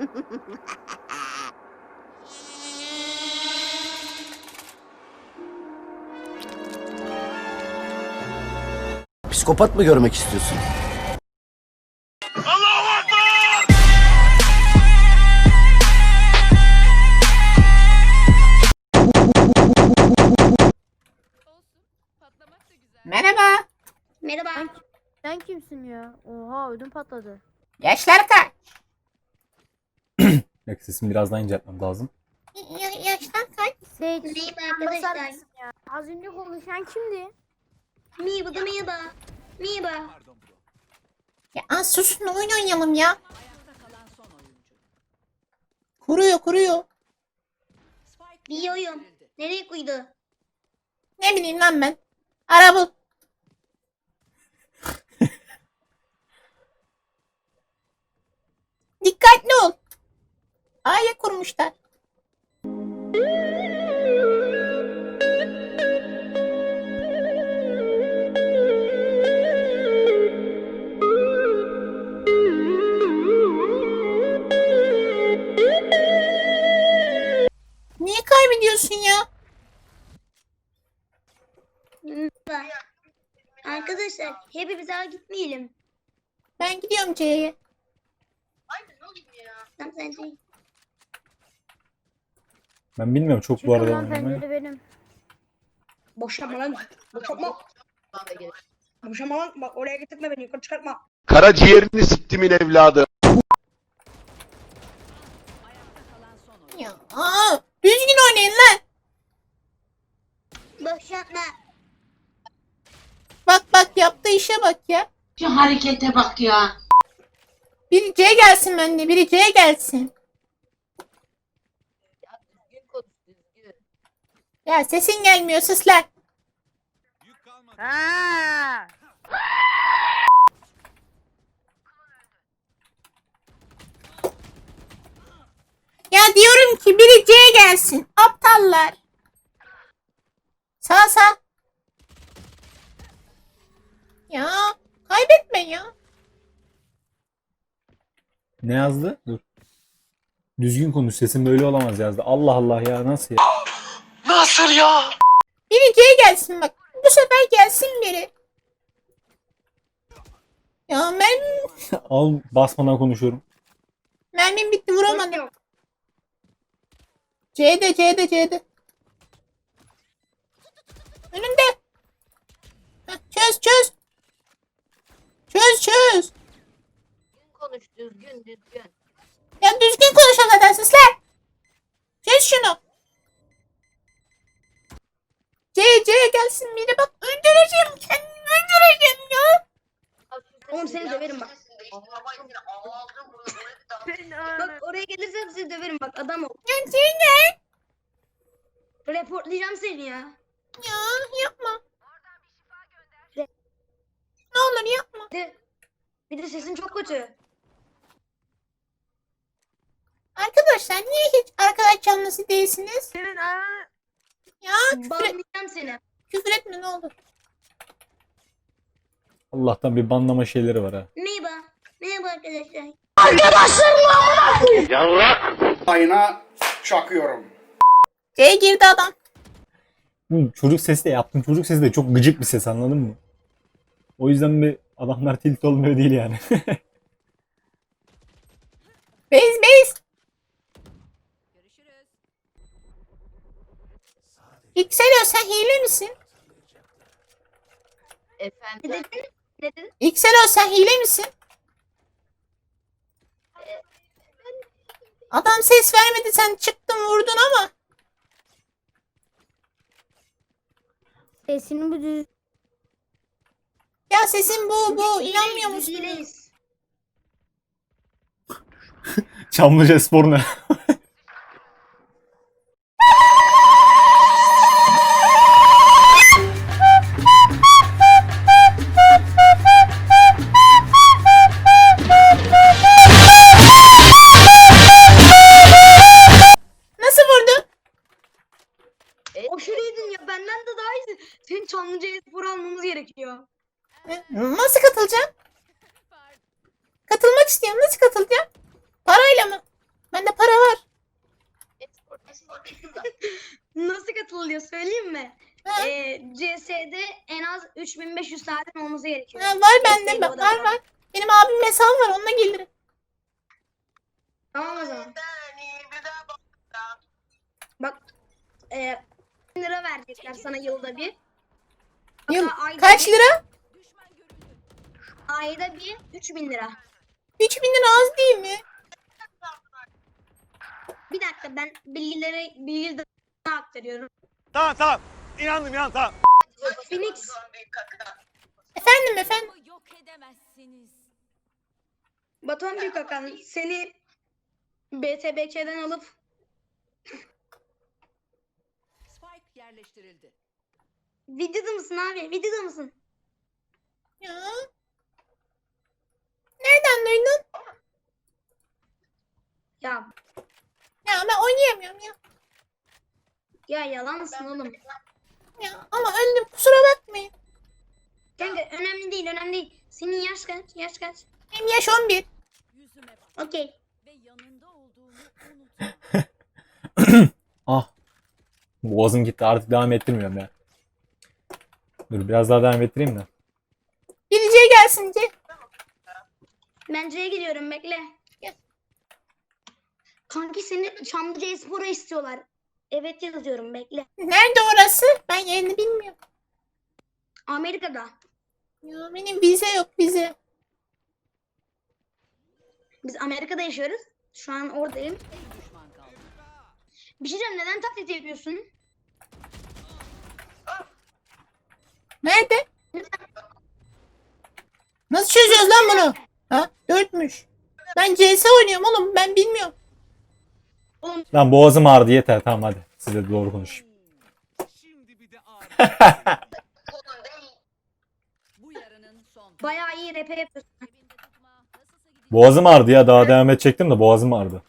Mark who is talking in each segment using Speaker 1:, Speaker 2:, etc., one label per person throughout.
Speaker 1: Psikopat mı görmek istiyorsun?
Speaker 2: Merhaba.
Speaker 3: Merhaba.
Speaker 4: Sen kimsin ya? Oha ödüm patladı.
Speaker 2: Yaşlar kaç?
Speaker 5: Bak sesimi biraz daha inceltmem lazım.
Speaker 2: Yaşlar kaç?
Speaker 4: Seyit.
Speaker 3: Merhaba
Speaker 4: basar
Speaker 3: arkadaşlar.
Speaker 4: mısın ya? Az önce konuşan kimdi?
Speaker 3: Merhaba da merhaba. Merhaba.
Speaker 2: Ya susun, oyun oynayalım ya. Kuruyor.
Speaker 3: Biliyorum. Nereye koydu?
Speaker 2: Ne bileyim lan ben. Ara bul. Dikkatli ol. A'ya kurmuşlar. Niye kaybediyorsun ya?
Speaker 3: Merhaba. Arkadaşlar hepimiz ağa gitmeyelim.
Speaker 2: Ben gidiyorum C'ye.
Speaker 3: Tamam sen de.
Speaker 5: Ben bilmiyorum çok bu
Speaker 4: Çıkın
Speaker 5: arada
Speaker 4: lan
Speaker 5: oynamayı.
Speaker 4: pencere benim.
Speaker 6: Boşanma lan. Boşanma. Boşanma lan. Bak oraya getirtme beni. Yukarı çıkartma.
Speaker 1: Karaciğerini siktimin evladı.
Speaker 2: Ya, düzgün oynayın lan.
Speaker 3: Boşanma.
Speaker 2: Bak yaptığı işe bak ya.
Speaker 7: Şu harekete bak ya.
Speaker 2: Biri C gelsin bende, biri C gelsin. Ya sesin gelmiyor, sus lan.
Speaker 4: Ha!
Speaker 2: Ya diyorum ki biri C gelsin. Aptallar. Sağ. Ya kaybetme ya.
Speaker 5: Ne yazdı? Dur. Düzgün konuş, sesin böyle olamaz yazdı. Allah Allah ya, nasıl ya?
Speaker 1: Nasıl ya?
Speaker 2: Biri C gelsin bak. Bu sefer gelsin biri. Ya
Speaker 5: Al, basmadan konuşuyorum.
Speaker 2: mermim bitti, vuramadım. C'de. Önünde. Heh, çöz. Çöz.
Speaker 7: Konuş düzgün.
Speaker 2: Ya düzgün konuşun zaten sizler. Çöz şunu. C gelsin biri bak. Öldüreceğim kendimi, öldüreceğim ya.
Speaker 6: Oğlum seni döverim bak. Bak oraya gelirsen seni döverim bak. Adam ol.
Speaker 2: Ya C gel.
Speaker 6: Reportlayacağım seni ya.
Speaker 2: Ya yapma. Ne olur yapma.
Speaker 6: Bir de sesin çok kötü.
Speaker 2: Arkadaşlar niye hiç arkadaş canlısı değilsiniz?
Speaker 4: Senin ananı...
Speaker 2: Ya
Speaker 6: Banlayacağım seni.
Speaker 2: küfür etme ne olur.
Speaker 5: Allah'tan bir banlama şeyleri var ha.
Speaker 3: Merhaba. Merhaba arkadaşlar.
Speaker 8: Ayna çakıyorum.
Speaker 2: C girdi adam.
Speaker 5: Çocuk sesi de yaptım. Çocuk sesi de çok gıcık bir ses, anladın mı? O yüzden bir adamlar tilt olmuyor değil yani.
Speaker 2: Base. Yükseliyor, sen hile misin?
Speaker 3: Ne
Speaker 7: Efendim.
Speaker 3: dedin? Ne dedin?
Speaker 2: Yükseliyor, sen hile misin? Adam ses vermedi, sen çıktın vurdun ama.
Speaker 4: Sesini bu düz...
Speaker 2: Ya sesin bu inanmıyor
Speaker 3: Biz
Speaker 2: musun?
Speaker 3: hileyiz.
Speaker 5: Çamlıca Spor ne?
Speaker 2: Nasıl vurdun?
Speaker 6: Aşırı iyiydin ya. Benden de daha iyisin. Senin Çamlıca'ya spor almamız gerekiyor.
Speaker 2: Nasıl katılacağım? Katılmak istiyorum. Nasıl katılacağım? Parayla mı? Bende para var.
Speaker 3: Nasıl katılıyor söyleyeyim mi?
Speaker 2: Ha.
Speaker 3: CS'de en az 3500 saatin olması gerekiyor.
Speaker 2: Ha, var bende.
Speaker 3: CS'de o da
Speaker 2: Var. Benim abimin hesabı var. Onunla gelirim.
Speaker 3: Tamam o zaman. Bak 1000 lira verecekler sana yılda bir.
Speaker 2: Yıl
Speaker 3: Hatta ayda
Speaker 2: kaç
Speaker 3: bir-
Speaker 2: lira?
Speaker 3: Ayda bir 3000 lira.
Speaker 2: 3000 lira az değil mi?
Speaker 3: Bir dakika ben bilgileri aktarıyorum.
Speaker 1: Tamam. İnandım tamam.
Speaker 3: Phoenix
Speaker 2: Efendim.
Speaker 9: Yok edemezsiniz.
Speaker 3: Batuhan Büyükakan seni BTBK'den alıp
Speaker 9: Spike yerleştirildi.
Speaker 3: videoda mısın abi? Videoda mısın?
Speaker 2: Ya. Nereden duydun?
Speaker 3: Ya
Speaker 2: Ya ben oynayamıyorum ya.
Speaker 3: yalansın oğlum.
Speaker 2: Ya ama öldüm. Kusura bakmayın.
Speaker 3: Kanka önemli değil. Senin yaş kaç?
Speaker 2: Benim yaş 11.
Speaker 9: Yüzüme bak
Speaker 3: Okey.
Speaker 9: ve yanında olduğumu unutma.
Speaker 5: Ah. Boğazım gitti, artık devam ettirmiyorum ya. Dur biraz daha devam ettireyim de.
Speaker 2: Geleceğe gelsin C.
Speaker 3: Ben C'ye gidiyorum bekle.
Speaker 2: Gel.
Speaker 3: Kanki seni Çamlıca Espor'a istiyorlar. Evet yazıyorum bekle.
Speaker 2: Nerede orası? Ben yerini bilmiyorum.
Speaker 3: Amerika'da.
Speaker 2: Ya benim vize yok vize.
Speaker 3: Biz Amerika'da yaşıyoruz. Şu an oradayım.
Speaker 9: Bir düşman kaldı.
Speaker 3: Bir şey diyeceğim neden taklit yapıyorsun?
Speaker 2: Nerede? Nasıl çözüyoruz lan bunu? Ha? 4'müş. Ben CS oynuyorum oğlum. Ben bilmiyorum.
Speaker 5: Lan boğazım ağrıdı, yeter, tamam hadi. Size doğru konuşayım.
Speaker 9: Bu yarının son.
Speaker 3: Bayağı iyi rap yapıyorsun.
Speaker 9: Cebinde tutma. Nasılsa gidecek.
Speaker 5: Boğazım ağrıdı ya, daha devam edecektim de boğazım ağrıdı.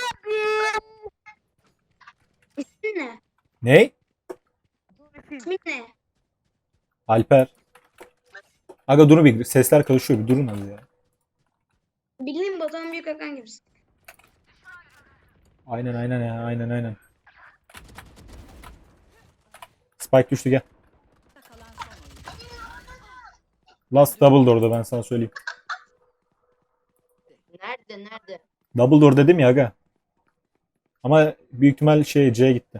Speaker 3: İsmin ne?
Speaker 5: Ne?
Speaker 3: İsmin ne?
Speaker 5: Alper. Aga durun, bir sesler karışıyor, bir durun hadi ya.
Speaker 3: Bildiğin Batuhan Büyükakan gibisin.
Speaker 5: Aynen ya, aynen. Spike düştü, gel.
Speaker 9: Kalan son oyuncu.
Speaker 5: Last double door'da, ben sana söyleyeyim.
Speaker 7: Nerede?
Speaker 5: Double door dedim ya aga. Ama büyük ihtimal C'ye gitti.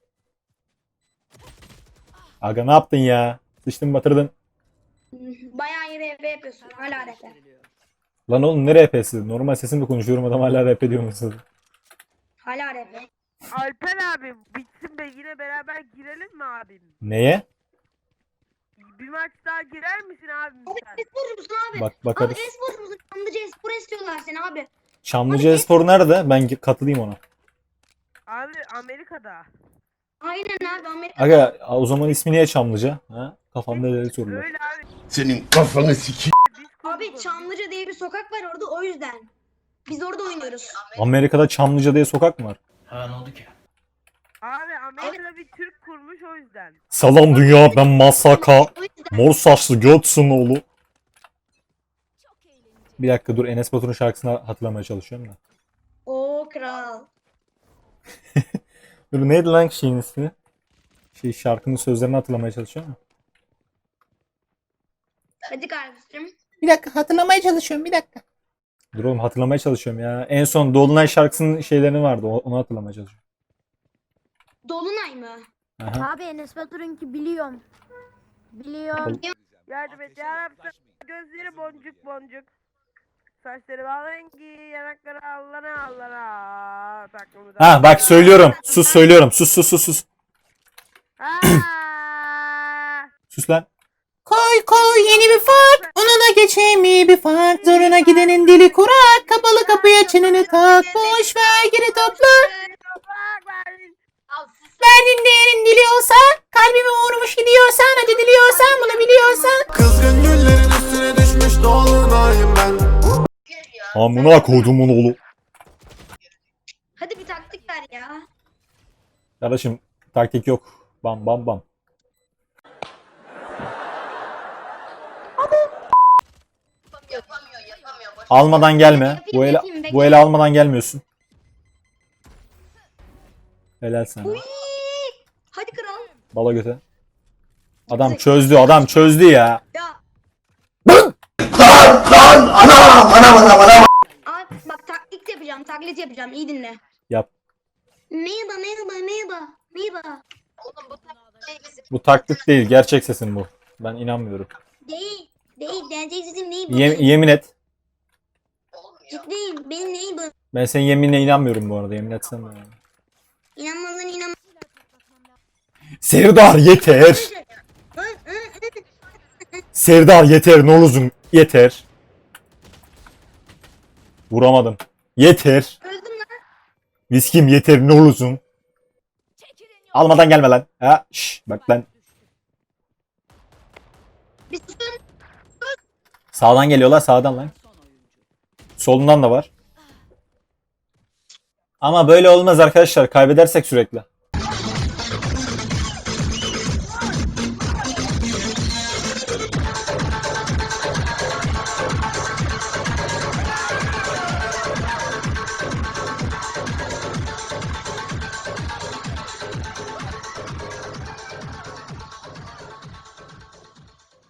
Speaker 5: Aga ne yaptın ya? Sıçtın batırdın.
Speaker 3: Bayağı iyi rap yapıyorsun. Hala rap.
Speaker 9: Veriliyor.
Speaker 5: Lan oğlum ne RP'si? Normal sesimle konuşuyorum, adam hala RP diyor musun?
Speaker 3: Hala rap.
Speaker 4: Alper abi bitsin be yine beraber girelim mi abim?
Speaker 5: Neye?
Speaker 4: Bir maç daha girer misin abim sen?
Speaker 3: Esporcu musun abi?
Speaker 5: Bak
Speaker 3: Abi
Speaker 5: bakarız.
Speaker 3: esporcu musun? Çamlıca Espor'a istiyorlar seni abi.
Speaker 5: Çamlıca Espor nerede? Ben katılayım ona.
Speaker 4: Abi Amerika'da.
Speaker 3: Aynen abi Amerika.
Speaker 5: Aga o zaman ismi niye Çamlıca? Ha? Kafamda deli sorular.
Speaker 4: Öyle abi.
Speaker 1: Senin kafanı siki.
Speaker 4: Biz
Speaker 3: Abi
Speaker 4: konuşalım.
Speaker 3: Çamlıca diye bir sokak var orada o yüzden. Biz orada oynuyoruz.
Speaker 5: Amerika'da Çamlıca diye sokak mı var?
Speaker 4: Abi Amerika'da bir Türk kurmuş o yüzden.
Speaker 5: Selam dünya, ben Masaka.
Speaker 3: O yüzden.
Speaker 5: Mor saçlı götsün oğlu.
Speaker 9: Çok eğlenceli.
Speaker 5: Bir dakika dur, Enes Batur'un şarkısını hatırlamaya çalışıyorum da.
Speaker 3: Oo kral.
Speaker 5: Dur neydi lan şeyin ismi? Şarkının sözlerini hatırlamaya çalışıyorum da.
Speaker 3: Hadi kardeşim.
Speaker 2: Bir dakika hatırlamaya çalışıyorum. Bir dakika.
Speaker 5: Dur oğlum, hatırlamaya çalışıyorum ya. En son Dolunay şarkısının şeylerini vardı, onu hatırlamaya çalışıyorum.
Speaker 3: Dolunay mı?
Speaker 5: Aha.
Speaker 4: Abi Enes Batur'unki biliyorum. Biliyorum.
Speaker 3: Yardım
Speaker 4: et yarabbim. Gözleri boncuk boncuk. Saçları rengi, yanakları allana.
Speaker 5: Ha bak söylüyorum. Sus söylüyorum. Sus. Sus lan.
Speaker 2: Koy yeni bir fark. Onuna geçeyim iyi bir fark. Zoruna gidenin dili kurak. Kapalı kapıya çeneni tak. Boş ver geri topla. Verdiğin değerin diliyorsa. Kalbime vurmuş gidiyorsan. Acı diliyorsan bunu biliyorsan.
Speaker 1: Kızgın güllerin üstüne düşmüş dolunayım ben.
Speaker 5: Amına koydumun oğlu.
Speaker 3: Hadi bir taktik ver ya.
Speaker 5: Kardeşim taktik yok. Bam. Almadan gelme. Bu ele almadan gelmiyorsun. Helal sana.
Speaker 3: Hadi kral.
Speaker 5: Bala göte. Adam çözdü ya.
Speaker 3: Ya. Abi bak taklit yapacağım. İyi dinle.
Speaker 5: Yap.
Speaker 3: Merhaba.
Speaker 7: Oğlum bu taktiği bizi
Speaker 5: Bu taklit değil, gerçek sesin bu. Ben inanmıyorum.
Speaker 3: Değil. Gerçek sesim değil bu.
Speaker 5: Yemin et.
Speaker 3: Ciddiyim. Benim neyim bu?
Speaker 5: Ben senin yeminine inanmıyorum bu arada, yemin etsem de.
Speaker 3: İnanmazsan inan.
Speaker 5: Serdar yeter. Serdar yeter, ne olursun yeter. Vuramadım. Yeter.
Speaker 3: Öldüm lan.
Speaker 5: Viskim yeter, ne olursun. Almadan gelme lan. Ha, şş, bak lan.
Speaker 3: Bir sus.
Speaker 5: Sağdan geliyorlar, sağdan lan.
Speaker 9: Son oyuncu.
Speaker 5: Solundan da var. Ama böyle olmaz arkadaşlar. Kaybedersek sürekli.